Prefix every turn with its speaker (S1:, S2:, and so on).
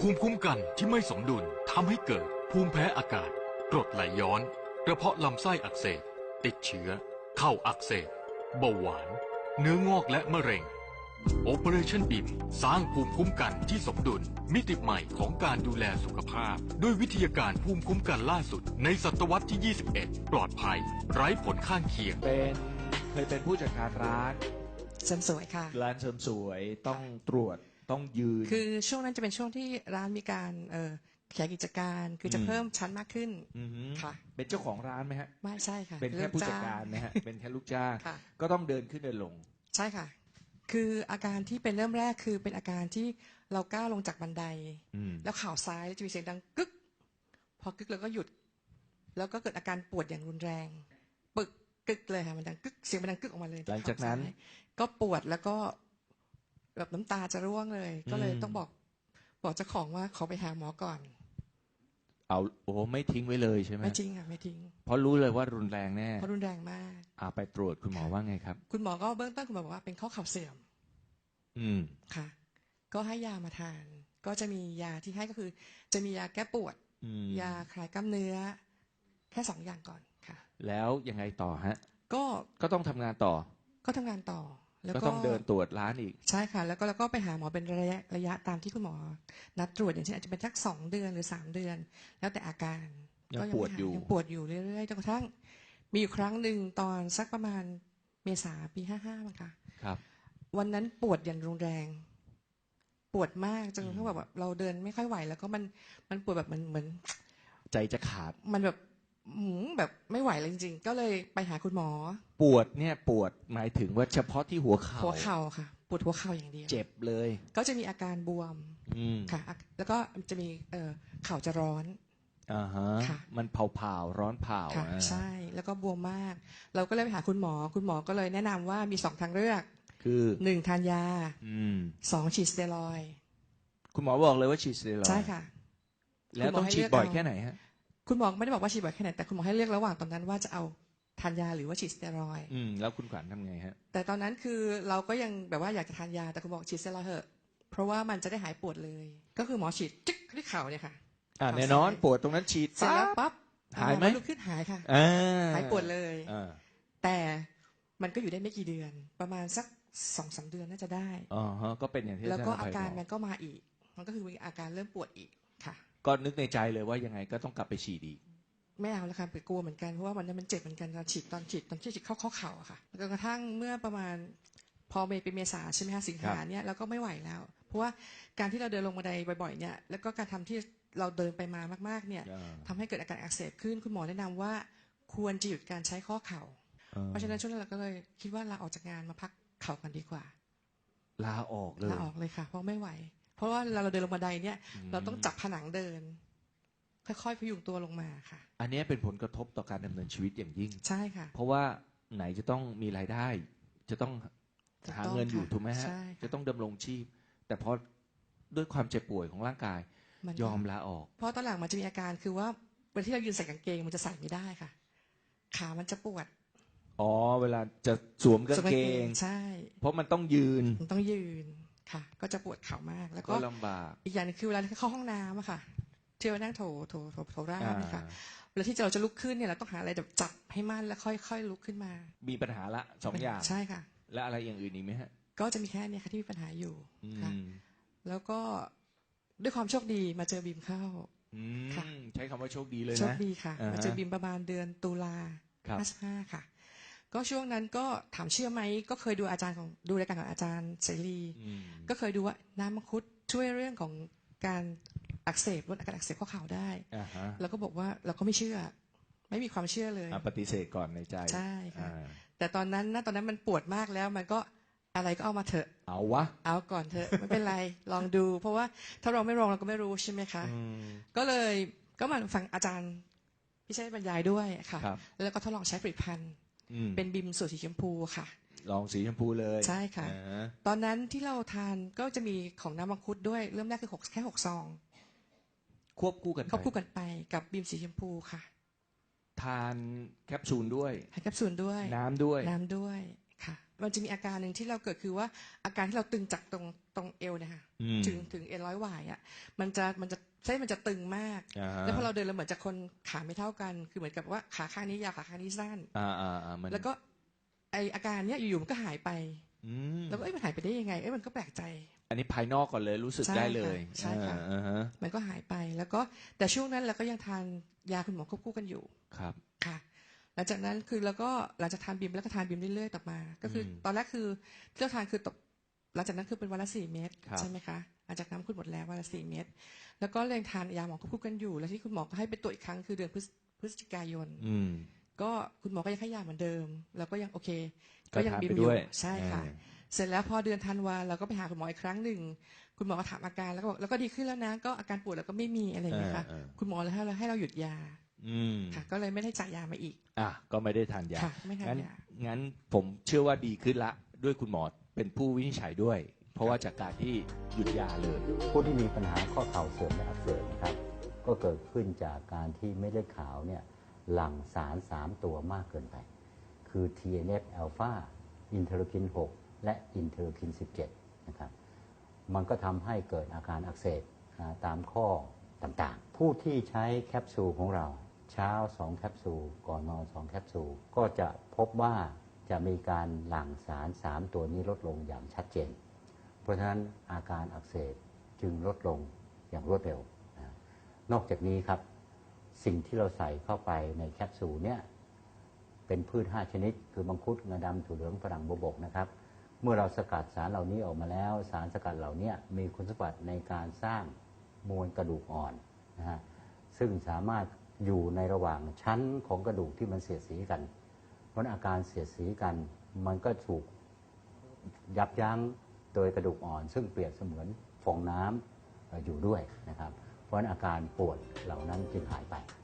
S1: ภูมิคุ้มกันที่ไม่สมดุลทำให้เกิดภูมิแพ้อากาศกรดไหลย้อนกระเพาะลำไส้อักเสบติดเชื้อเข้าอักเสบเบาหวานเนื้องอกและมะเร็ง Operation BIM สร้างภูมิคุ้มกันที่สมดุลมิติใหม่ของการดูแลสุขภาพด้วยวิทยาการภูมิคุ้มกันล่าสุดในศตวรรษที่ 21 ปลอดภัยไร้ผลข้างเคียง
S2: เคยเป็นผู้จัดการร้าน
S3: เสริมสวยค่ะ
S2: ร้านเสริมสวยต้องตรวจต้องยืน
S3: คือช่วงนั้นจะเป็นช่วงที่ร้านมีการขยายกิจการคือจะเพิ่มชั้นมากขึ้นค่ะ
S2: เป็นเจ้าของร้านไหมฮะ
S3: ไม่ใช่ค่ะ
S2: เป็นแค่ผู้จัดการไหมฮะเป็นแค่ลูกจ้างก็ต้องเดินขึ้นเดินลง
S3: ใช่ค่ะคืออาการที่เป็นเริ่มแรกคือเป็นอาการที่เราก้าวลงจากบันไดแล้วข่าวซ้ายจะมีเสียงดังกึกพอกึกแล้วก็หยุดแล้วก็เกิดอาการปวดอย่างรุนแรงปึกกึกเลยค่ะมันดังกึกเสียงมันดังกึกออกมาเลย
S2: หลังจากนั้น
S3: ก็ปวดแล้วก็แบบน้ำตาจะร่วงเลยก็เลยต้องบอกเจ้าของว่าขอไปหาหมอก่อน
S2: โอ้ไม่ทิ้งไว้เลยใช่ไหม
S3: ไม่จริงค่ะไม่ทิ้ง
S2: เพราะรู้เลยว่ารุนแรงแน่
S3: เพราะรุนแรงมาก
S2: ไปตรวจคุณหมอว่าไงครับ
S3: คุณหมอก็เบื้องต้นคุณหมอบอกว่าเป็นข้อเข่าเสื่อมค่ะก็ให้ยามาทานก็จะมียาที่ให้ก็คือจะมียาแก้ปวดยาคลายกล้ามเนื้อแค่2 อย่างก่อนค่ะ
S2: แล้วยังไงต่อฮะ
S3: ก็
S2: ต้องทำงานต่อ
S3: ก็ทำงานต่อ
S2: แล้วก็ต้องเดินตรวจร้านอีก
S3: ใช่ค่ะแล้วก็ไปหาหมอเป็นระยะตามที่คุณหมอนัดตรวจอย่างเช่นอาจจะเป็นสัก2 เดือนหรือ3 เดือนแล้วแต่อาการ
S2: ยังปวด
S3: อยู่เรื่อยๆจนกระทั่งมีอยู่ครั้งหนึ่งตอนสักประมาณเมษาปี55มั้งค่ะ
S2: ครับ
S3: วันนั้นปวดอย่างรุนแรงปวดมากจนกระทั่งแบบเราเดินไม่ค่อยไหวแล้วก็มันปวดแบบเหมือน
S2: ใจจะขาด
S3: มันแบบไม่ไหวเลยจริงๆก็เลยไปหาคุณหมอ
S2: ปวดเนี่ยปวดหมายถึงว่าเฉพาะที่หัวเข่า
S3: ค่ะปวดหัวเข่าอย่างเดียว
S2: เจ็บเลย
S3: ก็จะมีอาการบวมค่ะแล้วก็จะมีเข่าจะร้อน
S2: ค่ะมันเผาร้อนเผา
S3: ค่ะใช่แล้วก็บวมมากเราก็เลยไปหาคุณหมอก็เลยแนะนำว่ามี2 ทางเลือก
S2: คือ
S3: 1ทานยา2ฉีดสเตียรอยด์
S2: คุณหมอบอกเลยว่าฉีดสเตียรอยด์
S3: ใช่ค่ะ
S2: แล้วต้องฉีดบ่อยแค่ไหนฮะ
S3: คุณหมอไม่ได้บอกว่าฉีดบ่อยแค่ไหนแต่คุณหมอให้เลือกระหว่างตอนนั้นว่าจะเอาทานยาหรือว่าฉีดสเตียรอยด์
S2: แล้วคุณขวัญทำไงฮะ
S3: แต่ตอนนั้นคือเราก็ยังแบบว่าอยากจะทานยาแต่คุณบอกฉีดสเตียรอยด์เถอะเพราะว่ามันจะได้หายปวดเลยก็คือหมอฉีดจิ๊กที่เข่าเนี่ยค่ะ
S2: แน่นอนปวดตรงนั้นฉีด
S3: เสร็จแล้วปั๊บ
S2: หายไหม
S3: ลุกขึ้นหายค่ะหายปวดเลยแต่มันก็อยู่ได้ไม่กี่เดือนประมาณสัก2-3 เดือนน่าจะได้
S2: ก็เป็นอย่างที่
S3: แล้วก็อาการมันก็มาอีกมันก็คือมีอาการเริ่มปวดอีกค่ะ
S2: ก็นึกในใจเลยว่ายังไงก็ต้องกลับไปฉีดอีก
S3: ไม่เอาแล้วค่ะไปกลัวเหมือนกันเพราะว่ามันเจ็บเหมือนกันตอนฉีดเข้าข้อเข่าอะค่ะจนกระทั่งเมื่อประมาณพอเป็นเมษาใช่ไหมคะสิงหาเนี่ยเราก็ไม่ไหวแล้วเพราะว่าการที่เราเดินลงบันไดบ่อยๆเนี่ยแล้วก็การทำที่เราเดินไปมามากๆเนี่ยทำให้เกิดอาการอักเสบขึ้นคุณหมอแนะนำว่าควรจะหยุดการใช้ข้อเข่าเพราะฉะนั้นช่วงนั้นเราก็เลยคิดว่าลาออกจากงานมาพักเข่ากันดีกว่า
S2: ลาออก
S3: เลยค่ะเพราะไม่ไหวเพราะว่าเราเดินลงบันไดเนี่ยเราต้องจับผนังเดินค่อยๆพยุงตัวลงมาค่ะ
S2: อันนี้เป็นผลกระทบต่อการดำเนินชีวิตอย่างยิ่ง
S3: ใช่ค่ะ
S2: เพราะว่าไหนจะต้องมีรายได้จะต้องหาเงินอยู่ถูกไหมฮะจะต้องดำรงชีพแต่พอด้วยความเจ็บป่วยของร่างกายยอมลาออก
S3: เพราะตอนหลังมันจะมีอาการคือว่าเวลาที่เรายืนใส่กางเกงมันจะใส่ไม่ได้ค่ะขามันจะปวด
S2: เวลาจะสวมกางเกง
S3: ใช่
S2: เพราะมันต้องยืน
S3: ค่ะก็จะปวดเข่ามากแล้วก็
S2: ลำบาก
S3: อีกอย่างนึงคือเวลาเข้าห้องน้ำอะค่ะที่เรานั่งโถราบนะคะเวลาที่เราจะลุกขึ้นเนี่ยเราต้องหาอะไรแบบจับให้มั่นแล้วค่อยๆลุกขึ้นมา
S2: มีปัญหาละ2 อย่าง
S3: ใช่ค่ะ
S2: และอะไรอย่างอื่นอีกไหมฮะ
S3: ก็จะมีแค่นี้ค่ะที่มีปัญหาอยู่ค่ะแล้วก็ด้วยความโชคดีมาเจอบีมเข้า
S2: ค่ะใช้คำว่าโชคดีเลยนะ
S3: โชคดีค่ะมาเจอบีมประมาณเดือนตุลา55ค่ะก็ช่วงนั้นก็ถามเชื่อไหมก็เคยดูดูรายการของอาจารย์เสรีก็เคยดูว่าน้ำมังคุดช่วยเรื่องของการอักเสบลดอาการอักเสบข้อเข่าได้เราก็บอกว่าเราก็ไม่เชื่อไม่มีความเชื่อเลย
S2: ปฏิเสธก่อนในใจ
S3: ใช่ค่ะแต่ตอนนั้นมันปวดมากแล้วมันก็อะไรก็เอามาเถอะเอาก่อนเถอะไม่เป็นไรลองดูเพราะว่าถ้าเราไม่ลองเราก็ไม่รู้ใช่ไหมคะก็มาฟังอาจารย์พี่ชัยบรรยายด้วยค่ะแล้วก็ทดลองใช้ผลิตภัณฑ์เป็นบิมสูตรสีชมพูค่ะ
S2: ลองสีชมพูเลย
S3: ใช่ค่ะตอนนั้นที่เราทานก็จะมีของน้ำมังคุดด้วยเริ่มแรกคือแค่6 ซอง
S2: ควบคู่กัน
S3: ไปกับบิมสีชมพูค่ะ
S2: ทานแคปซูลด้วย
S3: แคปซูลด้วย
S2: น้ำด้วย
S3: ค่ะมันจะมีอาการหนึ่งที่เราเกิดคือว่าอาการที่เราตึงจากตรงเอวเนี่ยค่ะถึงเอ็นร้อยหวายอ่ะมันจะเส้นมันจะตึงมากแล้วพอเราเดินเราเหมือนจะคนขาไม่เท่ากันคือเหมือนกับว่าขาข้างนี้ยาวขาข้างนี้สั้นแล้วก็ไออาการเนี้ยอยู่ๆมันก็หายไปแล้วก็มันหายไปได้ยังไงมันก็แปลกใจ
S2: อันนี้ภายนอกก่อนเลยรู้สึกได้เลย
S3: ใช่ค่ะมันก็หายไปแล้วก็แต่ช่วงนั้นเราก็ยังทานยาคุณหมอควบคู่กันอยู่
S2: ครับ
S3: ค่ะหลังจากนั้นคือแล้วก็หลังจากทานบิมแล้วก็ทานบิมเรื่อยๆต่อมาก็คือตอนแรกคือที่เราทานคือตกหลังจากนั้นคือเป็นวันละ4 เม็ดใช่ไหมคะหลังจากน้ำคุณหมดแล้ววันละ4 เม็ดแล้วก็ยังทานยาหมอควบคู่กันอยู่แล้วที่คุณหมอก็ให้ไปตรวจอีกครั้งคือเดือนพฤศจิกายนก็คุณหมอก็ยังให้ยาเหมือนเดิมแล้วก็ยังโอเคก็ยังบิมอยู่ใช่ค่ะเสร็จแล้วพอเดือนธันวาเราก็ไปหาคุณหมออีกครั้งหนึ่งคุณหมอก็ถามอาการแล้วก็บอกแล้วก็ดีขึ้นแล้วนะก็อาการปวดแล้วก็ไม่มีอะไรอย่างเงี้ยค่ะคุณหมอเลยให้เราหยุดยาค่ะก็เลยไม่ได้จ่ายยามาอีก
S2: ก็ไม่ได้ทานยา
S3: ไม่ทานยา
S2: งั้นผมเชื่อว่าดีขึ้นละด้วยคุณหมอเป็นผู้วินิจฉัยด้วยเพราะว่าจากการที่หยุดยาเลย
S4: ผู้ที่มีปัญหาข้อเข่าเสื่อมและอักเสบนะครับก็เกิดขึ้นจากการที่เม็ดเลือดขาวเนี่ยหลั่งสาร3 ตัวมากเกินไปคือ TNF อ l p h a อินเทอร์คิน 6 และอินเทอร์คิน 17นะครับมันก็ทำให้เกิดอาการอักเสบตามข้อต่างๆผู้ที่ใช้แคปซูลของเราเช้า2 แคปซูลก่อนนอน2 แคปซูลก็จะพบว่าจะมีการหลั่งสาร3 ตัวนี้ลดลงอย่างชัดเจนเพราะฉะนั้นอาการอักเสบจึงลดลงอย่างรวดเร็วนอกจากนี้ครับสิ่งที่เราใส่เข้าไปในแคปซูลเนี่ยเป็นพืช5 ชนิดคือมังคุดงาดำถั่วเหลืองฝรั่งบวบกนะครับเมื่อเราสกัดสารเหล่านี้ออกมาแล้วสารสกัดเหล่านี้มีคุณสมบัติในการสร้างมวลกระดูกอ่อนนะฮะซึ่งสามารถอยู่ในระหว่างชั้นของกระดูกที่มันเสียดสีกันเพราะอาการเสียดสีกันมันก็ถูกยับยั้งโดยกระดูกอ่อนซึ่งเปรียบเสมือนฟองน้ำอยู่ด้วยนะครับเพราะอาการปวดเหล่านั้นจึงหายไป